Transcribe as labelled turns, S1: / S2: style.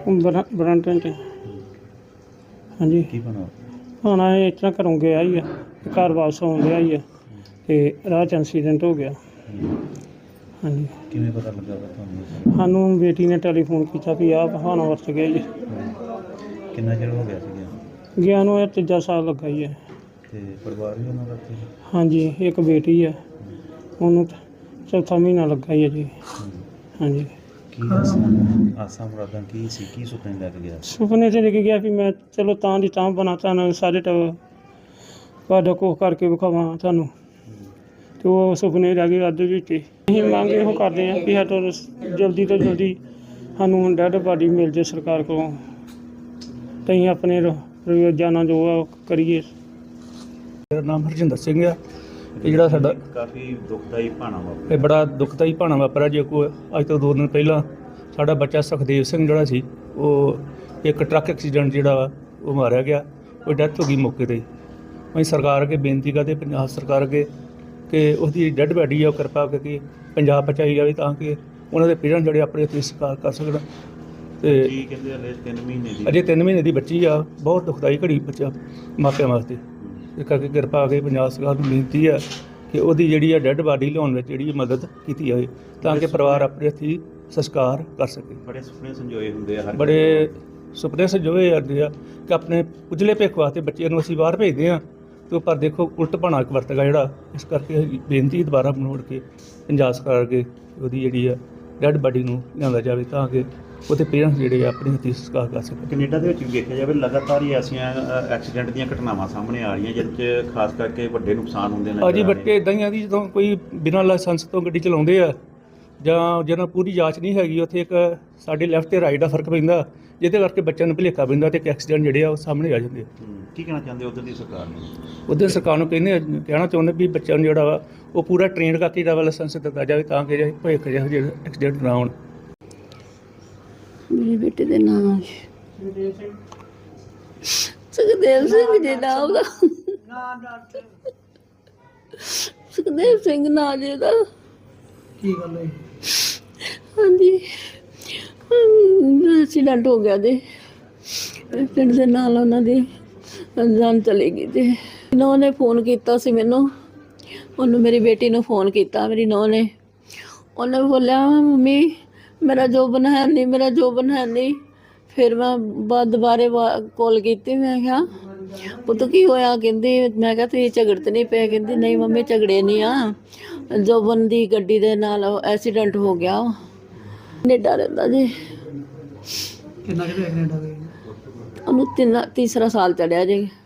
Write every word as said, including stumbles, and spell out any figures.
S1: ਬਰ ਬਰੰਟਨ 'ਚ। ਹਾਂਜੀ
S2: ਕੀ ਬਣਾ
S1: ਹੁਣ ਇਹ ਇਸ ਤਰ੍ਹਾਂ ਘਰੋਂ ਗਿਆ ਹੀ ਆ, ਘਰ ਵਾਪਸ ਆਉਣ ਡਿਆ ਹੀ ਆ ਅਤੇ ਰਾਹ 'ਚ ਐਕਸੀਡੈਂਟ ਹੋ ਗਿਆ। ਹਾਂਜੀ
S2: ਕਿਵੇਂ ਪਤਾ ਲੱਗਾ ਵਾ ਤੁਹਾਨੂੰ?
S1: ਸਾਨੂੰ ਬੇਟੀ ਨੇ ਟੈਲੀਫੋਨ ਕੀਤਾ ਵੀ ਆਹ ਹਾਣਾ ਵਰਤ ਗਿਆ ਜੀ।
S2: ਕਿੰਨਾ ਚਿਰ ਹੋ ਗਿਆ ਸੀਗਾ?
S1: ਗਿਆ ਨੂੰ ਇਹ ਤੀਜਾ ਸਾਲ ਲੱਗਾ ਹੀ ਹੈ।
S2: ਤੇ ਪਰਿਵਾਰ ਵੀ ਉਹਨਾਂ ਦਾ ਇੱਥੇ?
S1: ਹਾਂਜੀ ਇੱਕ ਬੇਟੀ ਹੈ, ਉਹਨੂੰ ਚੌਥਾ ਮਹੀਨਾ ਲੱਗਾ ਹੀ ਹੈ ਜੀ। ਹਾਂਜੀ
S2: ਕੀ ਆਸਾਂ ਆਸਾਂ ਮੁਰਾਦਾਂ ਕੀ ਸੀ, ਕੀ ਸੁਪਨੇ ਲੈ ਕੇ ਗਿਆ?
S1: ਸੁਪਨੇ 'ਚ ਲੈ ਕੇ ਗਿਆ ਵੀ ਮੈਂ ਚਲੋ ਤਾਂ ਦੀ ਤਾਂ ਬਣਾ ਤੁਹਾਨੂੰ ਸਾਰੇ ਟੱਬਰ ਤੁਹਾਡਾ ਕੁਛ ਕਰਕੇ ਵਿਖਾਵਾਂ ਤੁਹਾਨੂੰ, ਅਤੇ ਉਹ ਸੁਪਨੇ ਰਹਿ ਗਏ ਅੱਧ ਵਿੱਚ ਹੀ। ਅਸੀਂ ਮੰਗ ਇਹੋ ਕਰਦੇ ਹਾਂ ਵੀ ਸਾਡਾ ਜਲਦੀ ਤੋਂ ਜਲਦੀ ਸਾਨੂੰ ਹੁਣ ਡੈਡ ਬਾਡੀ ਮਿਲ ਜੇ ਸਰਕਾਰ ਕੋਲੋਂ, ਅਤੇ ਅਸੀਂ ਆਪਣੇ ਰੋਜ਼ਾਨਾ ਜੋ ਆ ਉਹ ਕਰੀਏ।
S3: ਮੇਰਾ ਨਾਮ ਹਰਜਿੰਦਰ ਸਿੰਘ ਆ। ਇਹ ਜਿਹੜਾ ਸਾਡਾ
S2: ਕਾਫੀ ਦੁਖਦਾਈ ਭਾਣਾ ਵਾ,
S3: ਇਹ ਬੜਾ ਦੁਖਦਾਈ ਭਾਣਾ ਵਾਪਰਿਆ। ਜੇ ਕੋਈ ਅੱਜ ਤੋਂ ਦੋ ਦਿਨ ਪਹਿਲਾਂ ਸਾਡਾ ਬੱਚਾ ਸੁਖਦੇਵ ਸਿੰਘ ਜਿਹੜਾ ਸੀ, ਉਹ ਇੱਕ ਟਰੱਕ ਐਕਸੀਡੈਂਟ ਜਿਹੜਾ ਵਾ ਉਹ ਮਾਰਿਆ ਗਿਆ, ਉਹ ਡੈਥ ਹੋ ਗਈ ਮੌਕੇ 'ਤੇ। ਅਸੀਂ ਸਰਕਾਰ ਅੱਗੇ ਬੇਨਤੀ ਕਰਦੇ, ਪੰਜਾਬ ਸਰਕਾਰ ਅੱਗੇ, ਕਿ ਉਸਦੀ ਡੈਡ ਬਾਡੀ ਆ ਉਹ ਕਿਰਪਾ ਕਰਕੇ ਪੰਜਾਬ ਪਹੁੰਚਾਈ ਜਾਵੇ, ਤਾਂ ਕਿ ਉਹਨਾਂ ਦੇ ਪੇਰੈਂਟਸ ਜਿਹੜੇ ਆਪਣੇ ਉੱਤੇ ਸਤਿਕਾਰ ਕਰ ਸਕਣ। ਅਤੇ
S2: ਕੀ ਕਹਿੰਦੇ ਹਲੇ ਤਿੰਨ ਮਹੀਨੇ ਦੀ
S3: ਅਜੇ ਤਿੰਨ ਮਹੀਨੇ ਦੀ ਬੱਚੀ ਆ, ਬਹੁਤ ਦੁਖਦਾਈ ਘੜੀ ਬੱਚਾ ਮਾਪਿਆਂ ਵਾਸਤੇ। ਇਸ ਕਰਕੇ ਕਿਰਪਾ ਕਰਕੇ ਪੰਜਾਬ ਸਰਕਾਰ ਨੂੰ ਬੇਨਤੀ ਆ ਕਿ ਉਹਦੀ ਜਿਹੜੀ ਆ ਡੈਡ ਬਾਡੀ ਲਿਆਉਣ ਵਿੱਚ ਜਿਹੜੀ ਮਦਦ ਕੀਤੀ ਜਾਵੇ, ਤਾਂ ਕਿ ਪਰਿਵਾਰ ਆਪਣੇ ਹੱਥੀਂ ਸੰਸਕਾਰ ਕਰ ਸਕੇ।
S2: ਬੜੇ ਸੁਪਨੇ ਸੰਜੋਏ ਹੁੰਦੇ ਆ ਹਰ
S3: ਬੜੇ ਸੁਪਨੇ ਸੰਜੋਏ ਜਾਂਦੇ ਆ ਕਿ ਆਪਣੇ ਉਜਲੇ ਭਵਿੱਖ ਵਾਸਤੇ ਬੱਚੇ ਨੂੰ ਅਸੀਂ ਬਾਹਰ ਭੇਜਦੇ ਹਾਂ, ਅਤੇ ਪਰ ਦੇਖੋ ਉਲਟ ਭਾਣਾ ਵਰਤੇਗਾ ਜਿਹੜਾ। ਇਸ ਕਰਕੇ ਬੇਨਤੀ ਦੁਬਾਰਾ ਮਨੋੜ ਕੇ ਪੰਜਾਬ ਸਰਕਾਰ ਅੱਗੇ ਉਹਦੀ ਜਿਹੜੀ ਆ ਡੈਡ ਬਾਡੀ ਨੂੰ ਲਿਆਂਦਾ ਜਾਵੇ, ਤਾਂ ਕਿ ਉਹਦੇ ਪੇਰੈਂਟਸ ਜਿਹੜੇ ਆ ਆਪਣੇ ਹੱਥੀਂ ਸੰਸਕਾਰ ਕਰ ਸਕਣ।
S2: ਕੈਨੇਡਾ ਦੇ ਵਿੱਚ ਵੀ ਦੇਖਿਆ ਜਾਵੇ ਲਗਾਤਾਰ ਹੀ ਐਸੀਆਂ ਐਕਸੀਡੈਂਟ ਦੀਆਂ ਘਟਨਾਵਾਂ ਸਾਹਮਣੇ ਆ ਰਹੀਆਂ, ਜਿਹਦੇ 'ਚ ਖਾਸ ਕਰਕੇ ਵੱਡੇ ਨੁਕਸਾਨ ਹੁੰਦੇ ਨੇ।
S3: ਅਜੀ ਬੱਚੇ ਇੱਦਾਂ ਹੀ ਆ ਦੀ, ਜਦੋਂ ਕੋਈ ਬਿਨਾਂ ਲਾਇਸੈਂਸ ਤੋਂ ਗੱਡੀ ਚਲਾਉਂਦੇ ਆ ਜਾਂ ਜਿਹਨਾਂ ਪੂਰੀ ਜਾਂਚ ਨਹੀਂ ਹੈਗੀ, ਉੱਥੇ ਇੱਕ ਸਾਡੇ ਲੈਫਟ ਅਤੇ ਰਾਈਟ ਦਾ ਫਰਕ ਪੈਂਦਾ, ਜਿਹਦੇ ਕਰਕੇ ਬੱਚਿਆਂ ਨੂੰ ਭੁਲੇਖਾ ਪੈਂਦਾ ਅਤੇ ਇੱਕ ਐਕਸੀਡੈਂਟ ਜਿਹੜੇ ਆ ਉਹ ਸਾਹਮਣੇ ਆ ਜਾਂਦੇ।
S2: ਕੀ ਕਹਿਣਾ ਚਾਹੁੰਦੇ ਉੱਧਰ ਦੀ ਸਰਕਾਰ ਨੂੰ?
S3: ਉੱਧਰ ਸਰਕਾਰ ਨੂੰ ਕਹਿੰਦੇ ਕਹਿਣਾ ਚਾਹੁੰਦੇ ਵੀ ਬੱਚਿਆਂ ਨੂੰ ਜਿਹੜਾ ਵਾ ਉਹ ਪੂਰਾ ਟ੍ਰੇਨਡ ਕਰਕੇ ਜਿਹੜਾ ਵਾ ਲਾਇਸੈਂਸ ਦਿੱਤਾ ਜਾਵੇ, ਤਾਂ ਕਿ ਭਵਿੱਖ ਜਿਹੋ ਜਿਹੇ ਐਕਸੀਡੈਂਟ ਨਾ ਹੋਣ।
S4: ਮੇਰੇ ਬੇਟੇ ਦੇ ਨਾਮ ਸੁਖਦੇਵ ਸਿੰਘ ਜੀ ਨਾਮ ਦਾ ਸੁਖਦੇਵ ਸਿੰਘ ਨਾਂ ਜੀ ਦਾ।
S1: ਕੀ ਗੱਲ ਹੈ?
S4: ਹਾਂਜੀ ਐਕਸੀਡੈਂਟ ਹੋ ਗਿਆ ਦੇ ਪਿੰਡ ਦੇ ਨਾਲ, ਉਹਨਾਂ ਦੀ ਜਾਨ ਚਲੀ ਗਈ। ਤੇ ਨੌਂ ਨੇ ਫੋਨ ਕੀਤਾ ਸੀ ਮੈਨੂੰ, ਉਹਨੂੰ ਮੇਰੀ ਬੇਟੀ ਨੂੰ ਫੋਨ ਕੀਤਾ ਮੇਰੀ ਨੌਂ ਨੇ। ਉਹਨੇ ਬੋਲਿਆ ਮੰਮੀ ਮੇਰਾ ਜੋਬਨ ਹੈ ਨਹੀਂ, ਮੇਰਾ ਜੋਬਨ ਹੈ ਨਹੀਂ। ਫਿਰ ਮੈਂ ਬਾਅਦ ਦੁਬਾਰੇ ਕਾਲ ਕੀਤੀ, ਮੈਂ ਕਿਹਾ ਪੁੱਤ ਕੀ ਹੋਇਆ? ਕਹਿੰਦੀ ਮੈਂ ਕਿਹਾ ਤੁਸੀਂ ਝਗੜ ਤਾਂ ਨਹੀਂ ਪਏ? ਕਹਿੰਦੀ ਨਹੀਂ ਮੰਮੀ ਝਗੜੇ ਨਹੀਂ ਆ, ਜੋਬਨ ਦੀ ਗੱਡੀ ਦੇ ਨਾਲ ਐਕਸੀਡੈਂਟ ਹੋ ਗਿਆ। ਕੈਨੇਡਾ ਰਹਿੰਦਾ ਜੀ।
S1: ਕਿੰਨਾ ਚਿਰ ਕੈਨੇਡਾ ਗਏ?
S4: ਉਹਨੂੰ ਤਿੰਨ ਤੀਸਰਾ ਸਾਲ ਚੜਿਆ ਜੀ।